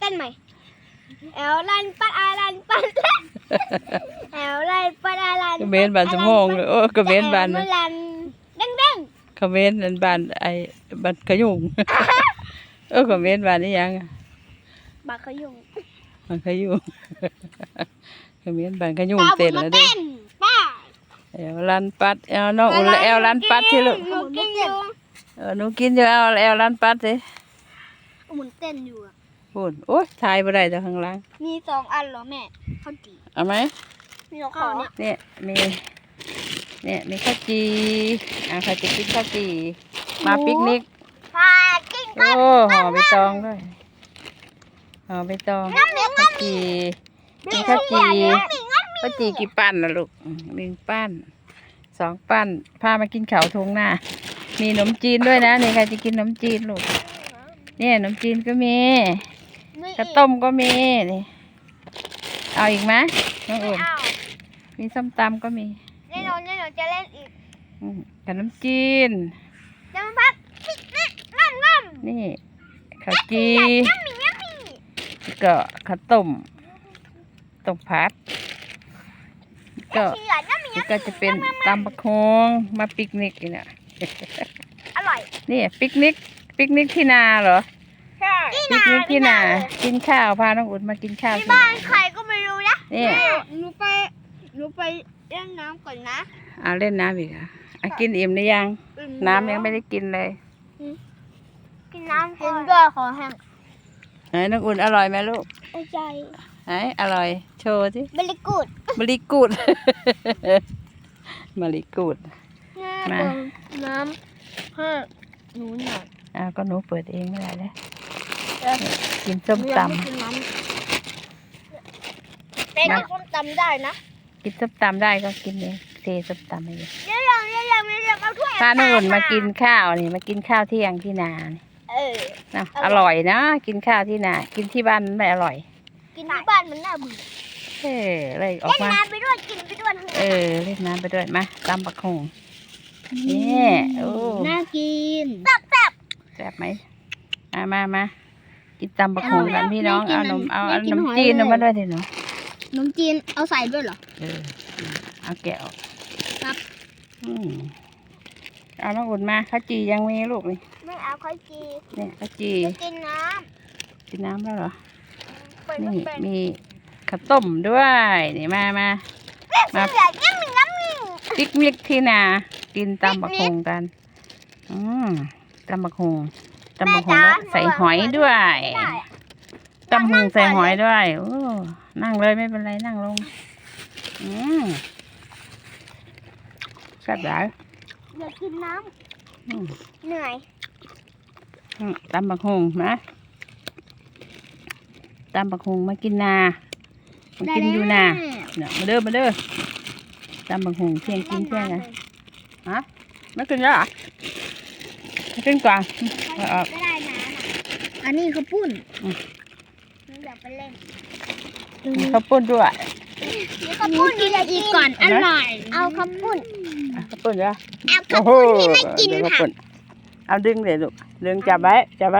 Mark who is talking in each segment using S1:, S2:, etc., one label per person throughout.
S1: ต้นใหม่แอลลันปัดอาลันปัดแอลลันปัดอาลัน
S2: กระเบนบานสมองเลยโอ้กระเบนบาน
S1: ลันเด้ง
S2: กระเบนบานไอ้บานขยุงกระเบนบานนี่ยัง
S1: บาขยุง
S2: บานขยุงกระเบนบานขยุงเต้นแล้วเด้
S1: ป้า
S2: แอลลันปัดแอลน้องอุ่นแอลลันปัดที่ลูก
S1: หนูกินอยู่
S2: หนูกินอยู่แอลลันปัดสิ
S1: หมุนเต้นอยู่
S2: พูดโอ้ยทายบ่ได้แต่ข้างล่าง
S1: มี2 อันเหรอแม่ข้าวจี
S2: เอาไหม
S1: มีข้าว
S2: เนี่ยมีข้าวจีใครจะกินข้าวจีมาปิกนิก
S1: พากินกัน
S2: โอ้ห่อใบตองด้วยห่อใบตองข้าวจีมีข้าวจีกี่ปั้นนะลูก1 ปั้น2 ปั้นพามากินข้าวทงหน้ามีขนมจีนด้วยนะนี่ใครจะกินขนมจีนลูกเนี่ยขนมจีนก็มีข้าวต้มก็มีนี่เอาอีกไหมน้องอุ่นมีส้มตำก็มี
S1: แน่นอนจะเล่นอีก
S2: ขนมจีน
S1: จะมาพักน้ำ
S2: นี่ข้าวจีก็ข้าวต้มผัดก็จะเป็นตำบักฮงมาปิกนิกนี่นะ
S1: อร่อย
S2: นี่ปิกนิกที่นาเหรอ
S1: ใช่
S2: ปิกนิกที่นากินข้าวพาน้องอุ่นมากินข้าว
S1: ที่บ้านใครก็ไม่รู้นะ
S2: นี่
S1: หนูไปเล่นน้ำก่อนนะ
S2: เล่นน้ำอีกกินอิ่มหรือยังน้ำยังไม่ได้กินเลย
S1: กินน้ำกินด้วยขอแห้ง
S2: น้องอุ่นอร่อยไหมลูก
S1: ใจ
S2: อร่อยโชว์สิ
S1: บริกูด
S2: มาลีกูดมา
S1: น้ำให้หนูหน่อย
S2: ก็หนูเปิดเองไม่ได้เลยกินส้มตำ
S1: เป็นส้มตำได้นะ
S2: กินส้มตำได้ก็กินเลยเทส้มตำไปเลย
S1: เรื่องเอาถ้วย
S2: พาน้องอุ่นมากินข้าวนี่มากินข้าวเที่ยงที่นานะอร่อยนะกินข้าวที่นากินที่บ้านไม่อร่อย
S1: กินที่บ้านมันน่าเบื่อ
S2: เลยออกมา
S1: เล่นน้ำไปด้วยกินไปด้วย
S2: เล่นน้ำไปด้วยมาตำบักฮงนี่โอ้
S1: น่ากิน
S2: แซ่บไหมมากินตำบักฮงกันพี่น้องเอาขนมจีนมาด้วยสิหนู
S1: ขนมจีนเอาใส่ด้วยเหรอ
S2: เอาแกะออก
S1: ครับ
S2: เอาน้องอุ่นมาข้าวจียังมีลูกนี่
S1: ไม่เอาข้าวจี
S2: เนี่ยข้าวจี
S1: กิน
S2: น้ำแล้วเหรอนี่มีข้าวต้มด้วยนี่มาปิกนิกที่นากินตำบักฮงกันตำบักฮงใส่หอยด้วยตำบักฮงใส่หอยด้วยโอ้นั่งเลยไม่เป็นไรนั่งลงแซ่บหลาย
S1: อยากกินน้ำเหนื่อย
S2: ตำบักฮงนะตำบักฮงมากินนามากินอยู่นาเนี่ยมาเด้อตำบักฮงเที่ยงกินเที่ยงไงไม่กินแล้วไม่กินก่อน
S1: ไม่ได้นะอันนี้ข้าวปุ้นอยากไปเล่น
S2: ข้าวปุ้นด้วย
S1: ข้าวปุ้นกินอีกก่อนอร่อยเอาข้าวปุ้น
S2: เหรอ
S1: เอาข้าวปุ้นที่ไม่กินค่ะ
S2: เอาดึงเลยลูกดึงจับไว้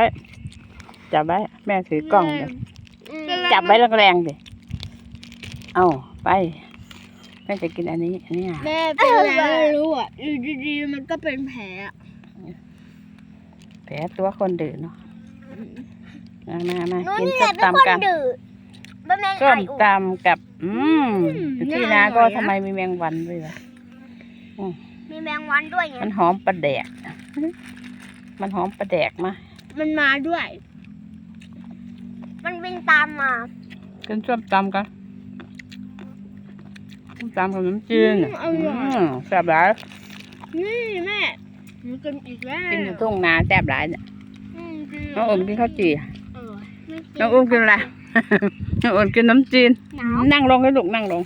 S2: แม่ถือกล้องเดี๋ยวจับไว้แรงๆดิเอาไปแม่จะกินอันนี้
S1: แม่เป็นอะไรไม่รู้อยู่ดีๆมันก็เป็นแผล
S2: ตัวคนดื้อเนาะมากินส้มตำกันส้มตำกับที่นาก็ทำไมมีแมงวันด้วยวะ
S1: มีแมงวันด้วยไง
S2: มันหอมปลาแดกมา
S1: มันมาด้วยมันวิ่งตามมา
S2: กินส้มตำกันส้มตำกับน้ำจีนแซ่บหลาย
S1: นี่แม่มันกินอีกแล้ว
S2: กินอยู่ทุ่งนาแซ่บหลายเนี่ยน้องอุ่นกินข้าวจี่น้องอุ่นกินอะไรน้องอุ่นกินน้ำจีนนั่งลงให้ลูกนั่งลง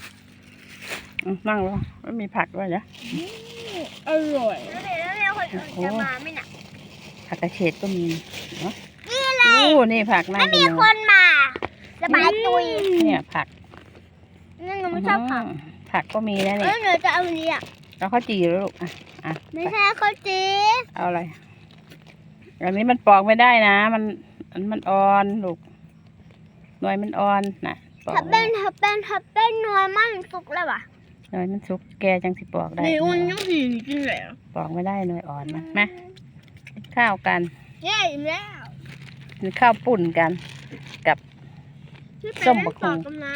S2: ไม่มีผักด้วยนะ
S1: อร่อยแล้วคนอื่นจะมาไหมน่ะ
S2: ผักกระเฉดก็มีนี่เลยนี่ผักน่ากิน
S1: ไม่มีคนมาสบายตุย
S2: เนี่ยผัก
S1: นี่หนูไม่ชอบ
S2: ผักก็มีนะเนี่ย
S1: หนูจะเอาอันนี้
S2: เอาข้าวจี่แล้วลูก
S1: ไม่ใช่ข้าวจี่
S2: เอาอะไรอันนี้มันปอกไม่ได้นะมันอ่อนลูกหน่วยมันอ่อนน่ะปอก
S1: ถ้าเป็นนัวมันสุกแล้วว่ะ
S2: หน่วยมันสุกแกจังสิปอกได้
S1: นี่อุ่นยังสีกินแล้ว
S2: ปอกไม่ได้หน่วยอ่อนนะมากินข้าวกัน
S1: เย้แล้ว
S2: กินข้าวปุ่นกันกับ ส้มบักหุ่ง
S1: กันนะ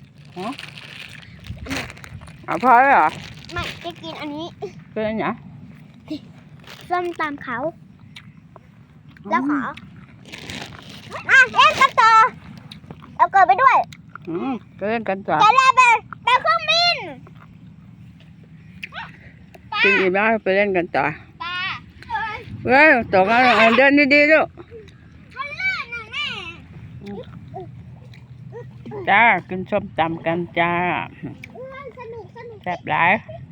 S2: เอาพอแล้วเหรอ
S1: ไม่จะกินอันนี้
S2: เป็นอันไหน
S1: ส้มตำเขาแล้วขอเล่นกันต่อเอาเกิดไปด้วย
S2: ก็เล่นกันต่อ
S1: จะเล่นไปเครื่องบิน
S2: กินอิ่มแล้วไปเล่นกันต่อ
S1: ปลา
S2: เว้ยตกแล้วเดินดีๆลูก
S1: ทะเลน่ะแม่
S2: จ้ากินส้มตำกันจ้า
S1: สนุก
S2: แซ่บหลาย
S1: เ